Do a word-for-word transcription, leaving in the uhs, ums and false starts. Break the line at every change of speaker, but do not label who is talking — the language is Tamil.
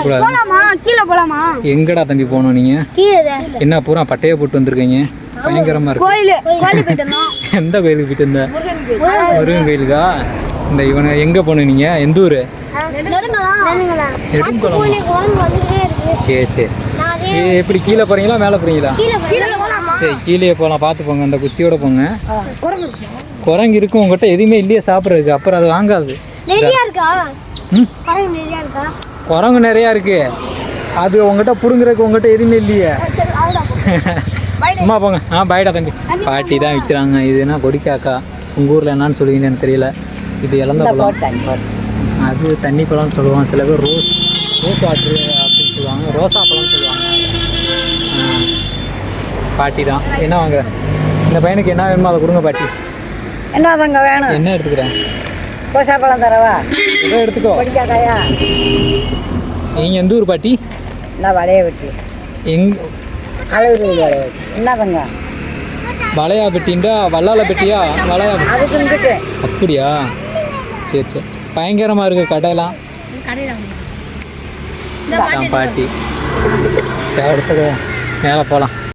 கூடாது. எங்கடா தம்பி போகணும் நீங்க? என்ன பூரா பட்டையை போட்டு வந்திருக்கீங்க, பயங்கரமா இருக்கு. எந்த கோயிலுக்கு போயிட்டு இருந்த? முருகன் கோயிலுக்கா? இந்த இவனை எங்க போகணும் நீங்க? எந்த ஊரு? சரி சரி. எப்படி கீழே போறீங்களா மேலே போறீங்களா? சரி கீழே போகலாம், பார்த்து போங்க. அந்த குச்சியோட போங்க. குரங்கு இருக்கும் உங்ககிட்ட, எதுவுமே இல்லையே சாப்பிட்றதுக்கு, அப்புறம் அது வாங்காது. குரங்கு நிறையா இருக்கு, அது உங்ககிட்ட புடுங்குறதுக்கு உங்ககிட்ட எதுவுமே இல்லையே. சும்மா போங்க. ஆ பாய்டா தம்பி. பாட்டி தான் விற்கிறாங்க. இதுனா கொடிக்காக்கா, உங்கள் ஊரில் என்னான்னு சொல்லுவீங்கன்னு எனக்கு தெரியல. இது இழந்த பழம், அது தண்ணி பழம்னு சொல்லுவாங்க. சில பேர் ரோஸ் ரோஸ் வாட்ரு அப்படின்னு சொல்லுவாங்க, ரோசா பழம்னு சொல்லுவாங்க. பாட்டி தான். என்ன வாங்குற? இந்த பையனுக்கு என்ன வேணுமோ அதை கொடுங்க பாட்டி.
என்ன தாங்க வேணும்?
என்ன எடுத்துக்கிறேன்?
ரோசா பழம் தரவா?
ஏதோ எடுத்துக்கோ.
கொடிக்காக்காயா?
நீங்கள் எந்த ஊர் பாட்டி?
நான் வளைய வெட்டி
எங்
அழகு வளைய வெட்டி. என்ன தாங்க
வளையா பெட்டின்டா? வல்லால பெட்டியா வளையா?
அதுக்கு இருந்துட்டு.
அப்படியா? சரி சரி. பயங்கரமாக இருக்குது கடையெல்லாம். பாட்டி அடுத்தது மேலே போகலாம்.